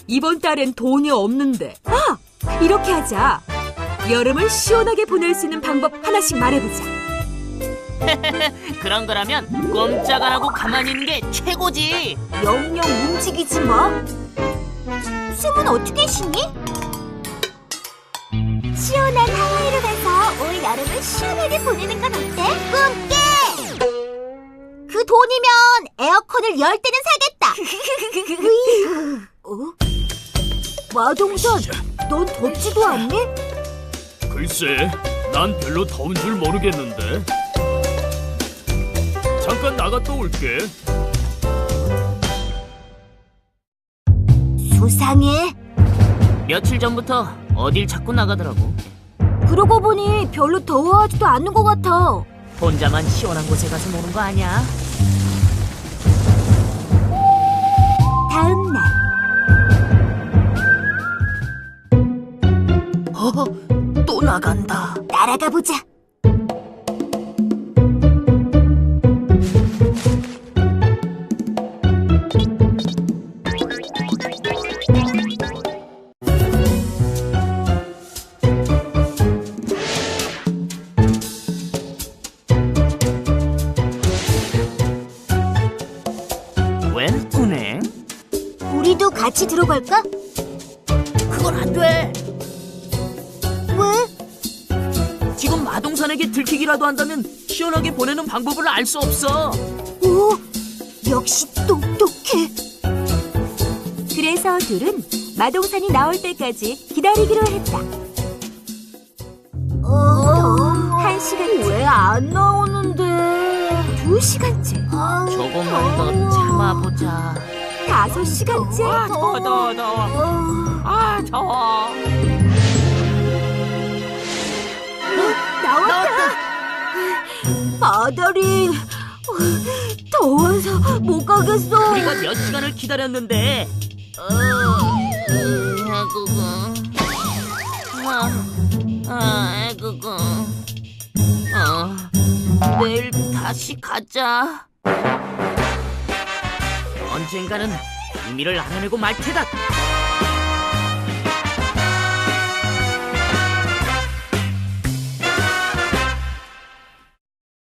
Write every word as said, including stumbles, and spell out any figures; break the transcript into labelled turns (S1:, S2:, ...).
S1: 이번 달엔 돈이 없는데. 아! 이렇게 하자. 여름을 시원하게 보낼 수 있는 방법 하나씩 말해보자.
S2: 그런 거라면 꼼짝 안 하고 가만히 있는 게 최고지.
S3: 영영 움직이지 마. 숨은 어떻게 쉬니? 시원한 하와이로 가서 올 여름을 시원하게 보내는 건 어때? 꿈깨! 그 돈이면 에어컨을 열 대는 사겠다. 어? 마동산, 넌 덥지도 않니?
S4: 글쎄, 난 별로 더운 줄 모르겠는데. 잠깐 나갔다 올게.
S3: 수상해.
S2: 며칠 전부터 어딜 자꾸 나가더라고.
S3: 그러고 보니 별로 더워하지도 않는 것 같아.
S2: 혼자만 시원한 곳에 가서 노는 거 아니야?
S3: 다음 날.
S2: 어? 또 나간다.
S3: 날아가 보자.
S2: 웬 은행?
S3: 우리도 같이 들어갈까?
S2: 그건 안 돼.
S3: 왜?
S2: 지금 마동산에게 들키기라도 한다면 시원하게 보내는 방법을 알 수 없어.
S3: 오, 역시 똑똑해.
S1: 그래서 둘은 마동산이 나올 때까지 기다리기로 했다.
S3: 어,
S1: 한 시간째.
S3: 왜 안 나오는데?
S1: 두 시간째.
S3: 아,
S2: 조금만 더 참아보자.
S1: 다섯 시간째.
S2: 아, 더워, 더워, 더워. 아, 더워.
S3: 나왔다. 아다리, 더워서 못 가겠어.
S2: 우리가 몇 시간을 기다렸는데. 어, 아이고, 아, 아, 아이고, 어, 내일 다시 가자. 언젠가는 의미를 알아내고 말 테다.